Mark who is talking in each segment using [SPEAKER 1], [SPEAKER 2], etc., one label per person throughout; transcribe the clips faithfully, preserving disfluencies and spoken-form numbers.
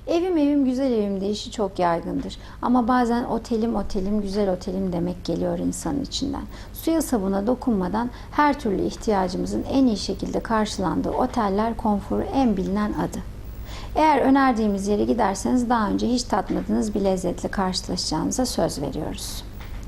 [SPEAKER 1] Evim evim güzel evim deyişi çok yaygındır. Ama bazen otelim otelim güzel otelim demek geliyor insanın içinden. Suya sabuna dokunmadan her türlü ihtiyacımızın en iyi şekilde karşılandığı oteller konforu en bilinen adı. Eğer önerdiğimiz yere giderseniz daha önce hiç tatmadığınız bir lezzetle karşılaşacağınıza söz veriyoruz.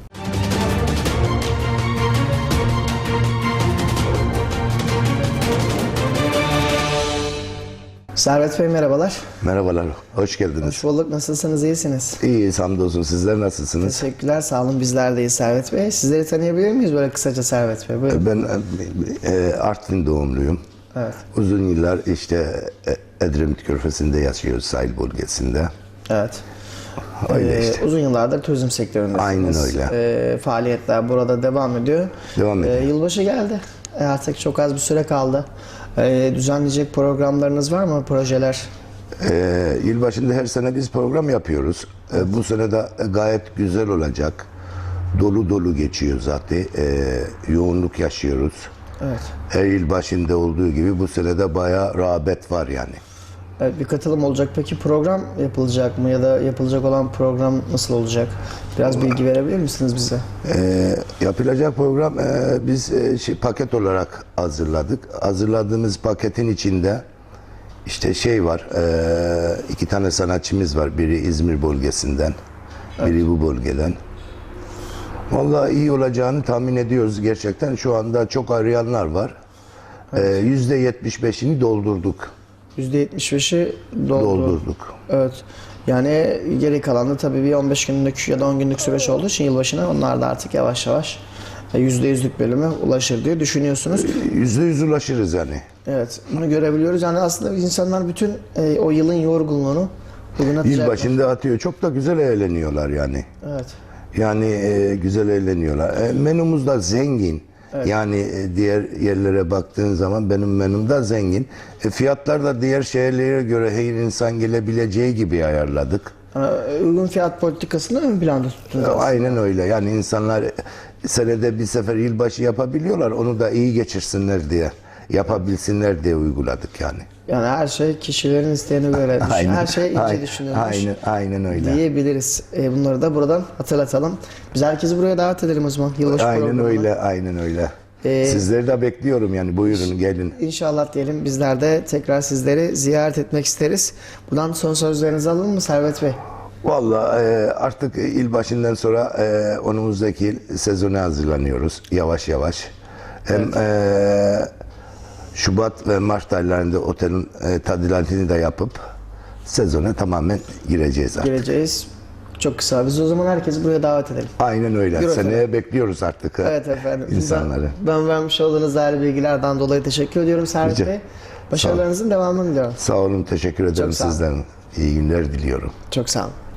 [SPEAKER 2] Servet Bey merhabalar.
[SPEAKER 3] Merhabalar, hoş geldiniz.
[SPEAKER 2] Hoş bulduk. Nasılsınız? İyisiniz?
[SPEAKER 3] İyiyiz, hamdolsun. Sizler nasılsınız?
[SPEAKER 2] Teşekkürler. Sağ olun. Bizler de iyiyiz Servet Bey. Sizleri tanıyabilir miyiz böyle kısaca Servet Bey? Buyurun.
[SPEAKER 3] Ben e, Artvin doğumluyum.
[SPEAKER 2] Evet.
[SPEAKER 3] Uzun yıllar işte e, Edremit Körfezi'nde yaşıyoruz, sahil bölgesinde.
[SPEAKER 2] Evet.
[SPEAKER 3] Öyle
[SPEAKER 2] Ee,
[SPEAKER 3] işte.
[SPEAKER 2] Uzun yıllardır turizm sektöründesiniz.
[SPEAKER 3] Aynen öyle.
[SPEAKER 2] Ee, faaliyetler burada devam ediyor.
[SPEAKER 3] Devam ediyor.
[SPEAKER 2] Ee, yılbaşı geldi. Ee, artık çok az bir süre kaldı. Ee, düzenleyecek programlarınız var mı? Projeler?
[SPEAKER 3] E, yılbaşında her sene biz program yapıyoruz. E, bu sene de gayet güzel olacak. Dolu dolu geçiyor zaten. E, yoğunluk yaşıyoruz.
[SPEAKER 2] Evet.
[SPEAKER 3] Her yıl başında olduğu gibi bu sene de bayağı rağbet var yani.
[SPEAKER 2] Evet, bir katılım olacak. Peki program yapılacak mı ya da yapılacak olan program nasıl olacak? Biraz bilgi verebilir misiniz bize?
[SPEAKER 3] E, yapılacak program e, biz e, şey, paket olarak hazırladık. Hazırladığımız paketin içinde işte şey var, e, iki tane sanatçımız var. Biri İzmir bölgesinden, biri bu bölgeden. Vallahi iyi olacağını tahmin ediyoruz gerçekten. Şu anda çok arayanlar var. Evet. yüzde yetmiş beşini doldurduk.
[SPEAKER 2] yüzde yetmiş beşi doldu.
[SPEAKER 3] Doldurduk.
[SPEAKER 2] Evet. Yani geri kalan da tabii bir on beş günlük ya da on günlük süreç olduğu için yılbaşına onlar da artık yavaş yavaş yüzde yüzlük bölüme ulaşır diye düşünüyorsunuz.
[SPEAKER 3] Yüzde yüz ulaşırız yani.
[SPEAKER 2] Evet. Bunu görebiliyoruz. Yani aslında insanlar bütün e, o yılın yorgunluğunu bugün atacaklar.
[SPEAKER 3] Yıl başında atıyor. Çok da güzel eğleniyorlar yani.
[SPEAKER 2] Evet.
[SPEAKER 3] Yani e, güzel eğleniyorlar. E, menümüz de zengin.
[SPEAKER 2] Evet.
[SPEAKER 3] Yani e, diğer yerlere baktığın zaman benim menüm de zengin. E, fiyatlar da diğer şehirlere göre her insan gelebileceği gibi ayarladık.
[SPEAKER 2] Yani uygun fiyat politikasını ön planda tuttunuz.
[SPEAKER 3] E, aynen öyle. Yani insanlar senede bir sefer yılbaşı yapabiliyorlar. Onu da iyi geçirsinler diye, yapabilsinler diye uyguladık yani.
[SPEAKER 2] Yani her şey kişilerin isteğine göre düşün.
[SPEAKER 3] Aynen,
[SPEAKER 2] Her şey ince
[SPEAKER 3] aynen,
[SPEAKER 2] düşünülmüş.
[SPEAKER 3] aynen, aynen öyle.
[SPEAKER 2] Diyebiliriz. E, bunları da buradan hatırlatalım. Biz herkesi buraya davet edelim o zaman. Yılbaşı
[SPEAKER 3] Aynen
[SPEAKER 2] programına.
[SPEAKER 3] öyle, aynen öyle.
[SPEAKER 2] Ee,
[SPEAKER 3] Sizleri de bekliyorum yani. Buyurun gelin.
[SPEAKER 2] İnşallah diyelim. Bizler de tekrar sizleri ziyaret etmek isteriz. Buradan son sözlerinizi alalım mı Servet Bey?
[SPEAKER 3] Vallahi e, artık yıl başından sonra e, önümüzdeki yıl sezona hazırlanıyoruz yavaş yavaş. Hem
[SPEAKER 2] Evet.
[SPEAKER 3] e, Şubat ve Mart aylarında otelin e, tadilatını da yapıp sezona tamamen gireceğiz artık.
[SPEAKER 2] Geleceğiz. Çok kısa. Biz o zaman herkesi buraya davet edelim.
[SPEAKER 3] Aynen öyle.
[SPEAKER 2] Yürü
[SPEAKER 3] Seneye
[SPEAKER 2] efendim.
[SPEAKER 3] bekliyoruz artık.
[SPEAKER 2] Evet efendim.
[SPEAKER 3] insanları.
[SPEAKER 2] Ben, ben vermiş olduğunuz değerli bilgilerden dolayı teşekkür ediyorum Servet
[SPEAKER 3] Rica-
[SPEAKER 2] Bey. Başarılarınızın devamını diliyorum.
[SPEAKER 3] Sağ olun, teşekkür ederim
[SPEAKER 2] Çok sağ olun.
[SPEAKER 3] sizden. İyi günler diliyorum.
[SPEAKER 2] Çok sağ olun.